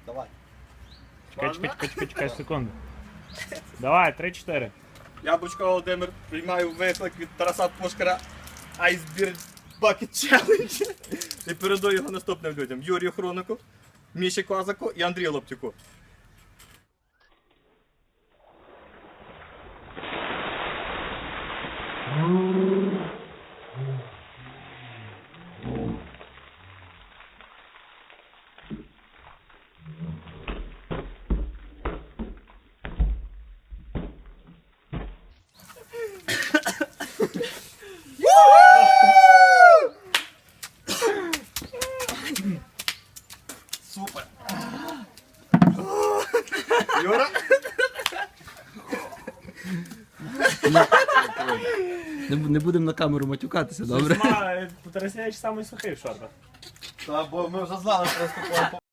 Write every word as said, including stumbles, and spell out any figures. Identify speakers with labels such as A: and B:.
A: Давай.
B: Чекай, чекай, чекай, чекай, чекай, секунду. Давай, три-чотири.
A: Яблучко Володимир, приймаю виклик від Тараса Пушкара Icebeard Bucket Challenge і передаю його наступним людям. Юрію Хронику, Міші Козаку і Андрію Лоптюку. Супер! Юра?
C: Не, не будемо на камеру матюкатися, добре?
B: Тарасевич самий сухий в шортах.
A: Та, бо ми вже знали, що наступного